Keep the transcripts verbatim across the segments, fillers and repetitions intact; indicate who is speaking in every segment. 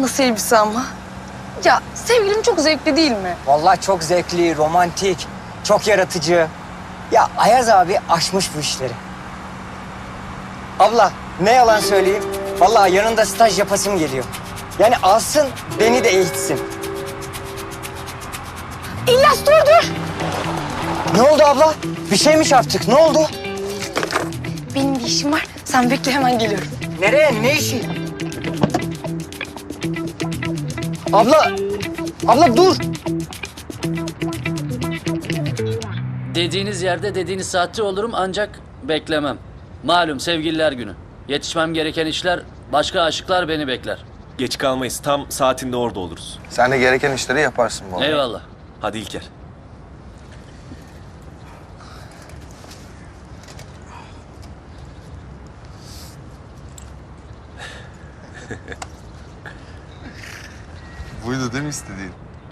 Speaker 1: Nasıl elbise ama? Ya sevgilim çok zevkli değil mi?
Speaker 2: Vallahi çok zevkli, romantik, çok yaratıcı. Ya Ayaz abi aşmış bu işleri. Abla ne yalan söyleyeyim. Vallahi yanında staj yapasım geliyor. Yani alsın beni de eğitsin.
Speaker 1: İlyas dur dur.
Speaker 2: Ne oldu abla? Bir şey mi çarptık? Ne oldu?
Speaker 1: Benim bir işim var. Sen bekle hemen geliyorum.
Speaker 2: Nereye? Ne işi? Abla! Abla dur!
Speaker 3: Dediğiniz yerde dediğiniz saatte olurum ancak beklemem. Malum sevgililer günü. Yetişmem gereken işler, başka aşıklar beni bekler.
Speaker 4: Geç kalmayız. Tam saatinde orada oluruz.
Speaker 5: Sen de gereken işleri yaparsın bu arada.
Speaker 3: Eyvallah.
Speaker 4: Hadi İlker.
Speaker 5: Buydu değil mi istediğin?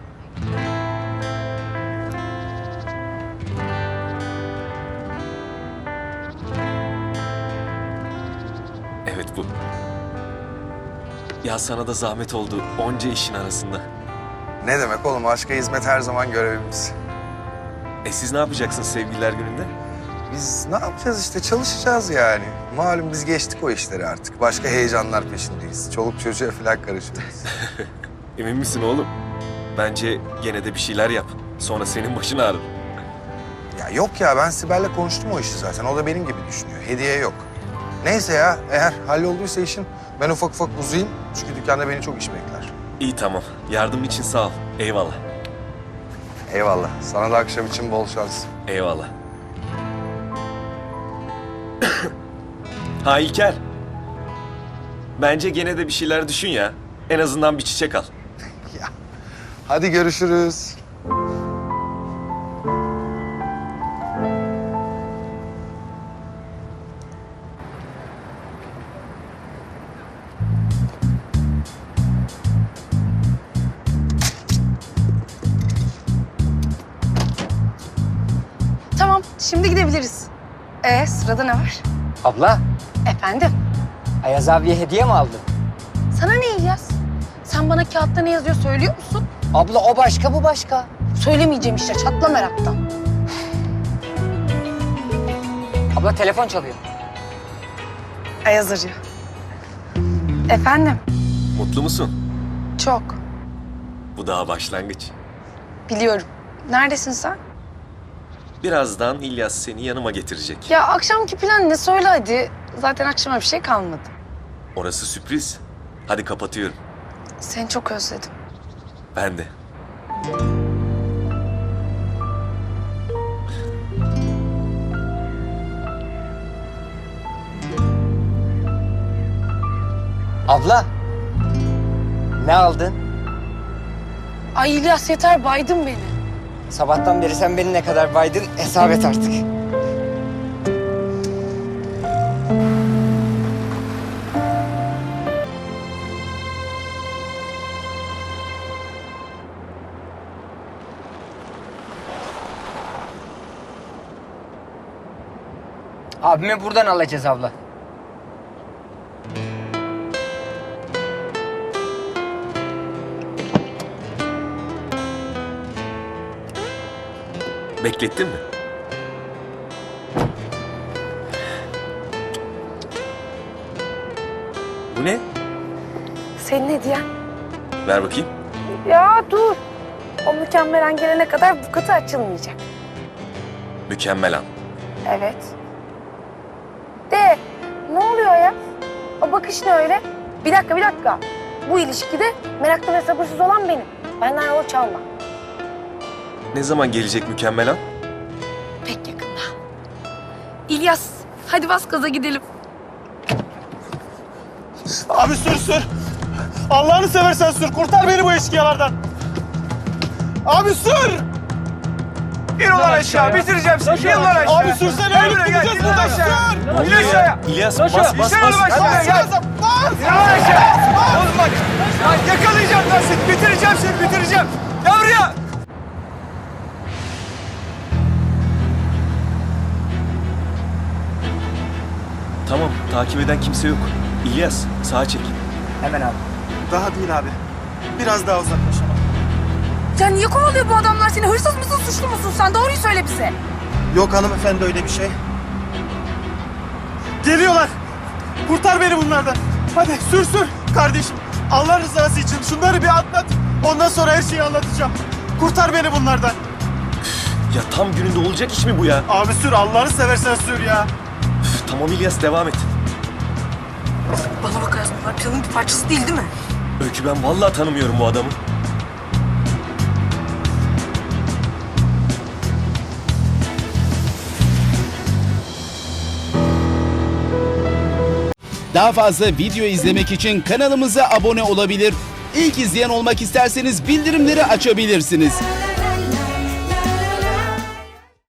Speaker 4: Evet bu. Ya sana da zahmet oldu onca işin arasında.
Speaker 5: Ne demek oğlum? Aşka hizmet her zaman görevimiz.
Speaker 4: E siz ne yapacaksınız sevgililer gününde?
Speaker 5: Biz ne yapacağız işte? Çalışacağız yani. Malum biz geçtik o işleri artık. Başka heyecanlar peşindeyiz. Çoluk çocuğa falan karışıyoruz.
Speaker 4: Emin misin oğlum? Bence gene de bir şeyler yap. Sonra senin başın ağrır.
Speaker 5: Ya yok ya, ben Sibel'le konuştum o işi zaten. O da benim gibi düşünüyor. Hediye yok. Neyse ya, eğer hallolduysa işin ben ufak ufak uzayayım. Çünkü dükkanda beni çok iş bekler.
Speaker 4: İyi tamam. Yardım için sağ ol. Eyvallah.
Speaker 5: Eyvallah. Sana da akşam için bol şans.
Speaker 4: Eyvallah. Ha İlker. Bence gene de bir şeyler düşün ya. En azından bir çiçek al.
Speaker 5: Ya. Hadi görüşürüz.
Speaker 1: Tamam şimdi gidebiliriz. Ee sırada ne var?
Speaker 2: Abla,
Speaker 1: Efendim?
Speaker 2: Ayaz abiye hediye mi aldın?
Speaker 1: Sana ne İlyas? Sen bana kağıtta ne yazıyor söylüyor musun?
Speaker 2: Abla o başka, bu başka.
Speaker 1: Söylemeyeceğim işte çatla meraktan.
Speaker 2: Abla telefon çalıyor.
Speaker 1: Ayaz arıyor. Efendim?
Speaker 4: Mutlu musun?
Speaker 1: Çok.
Speaker 4: Bu daha başlangıç.
Speaker 1: Biliyorum. Neredesin sen?
Speaker 4: Birazdan İlyas seni yanıma getirecek.
Speaker 1: Ya akşamki plan ne söyle hadi. Zaten akşama bir şey kalmadı.
Speaker 4: Orası sürpriz. Hadi kapatıyorum.
Speaker 1: Seni çok özledim.
Speaker 4: Ben de.
Speaker 2: Abla, ne aldın?
Speaker 1: Ay İlyas yeter baydın beni.
Speaker 2: Sabahtan beri sen beni ne kadar baydın hesap et artık. Abimi buradan alacağız abla.
Speaker 4: Beklettin mi? Bu ne?
Speaker 1: Senin hediyen.
Speaker 4: Ver bakayım.
Speaker 1: Ya dur. O mükemmel an gelene kadar bu kutu açılmayacak.
Speaker 4: Mükemmel an.
Speaker 1: Evet. De ne oluyor ya? O bakış ne öyle? Bir dakika bir dakika. Bu ilişkide meraklı ve sabırsız olan benim. Benden yol çalma.
Speaker 4: Ne zaman gelecek mükemmel an?
Speaker 1: Pek yakında. İlyas hadi bas gaza gidelim.
Speaker 6: Abi sür sür. Allah'ını seversen sür. Kurtar beni bu eşkıyalardan. Abi sür.
Speaker 5: İn ulan aşağı, bitireceğim seni. İn ulan aşağı.
Speaker 6: Abi sürsene. Ölüp gideceğiz buradan. Sür.
Speaker 5: İn aşağıya.
Speaker 4: İlyas bas bas bas.
Speaker 5: İn ulan aşağıya. Gel.
Speaker 6: Bas.
Speaker 5: İn ulan aşağı. Oğlum bak. Lan yakalayacağım ben seni. Bitireceğim seni, bitireceğim. Gel buraya.
Speaker 4: Tamam takip eden kimse yok. İlyas sağa çek.
Speaker 2: Hemen abi.
Speaker 6: Daha değil abi. Biraz daha uzaklaşalım.
Speaker 1: Ya niye kovalıyor bu adamlar seni? Hırsız mısın, suçlu musun sen? Doğruyu söyle bize.
Speaker 6: Yok hanımefendi öyle bir şey. Geliyorlar. Kurtar beni bunlardan. Hadi sür sür kardeşim. Allah rızası için şunları bir atlat. Ondan sonra her şeyi anlatacağım. Kurtar beni bunlardan.
Speaker 4: Ya tam gününde olacak iş mi bu ya?
Speaker 6: Abi sür Allah'ını seversen sür ya.
Speaker 4: Üf, tamam İlyas devam et.
Speaker 1: Bana bak Azmi, bunlar planın bir parçası değil değil mi?
Speaker 4: Öykü ben vallahi tanımıyorum bu adamı.
Speaker 7: Daha fazla video izlemek için kanalımıza abone olabilir. İlk izleyen olmak isterseniz bildirimleri açabilirsiniz.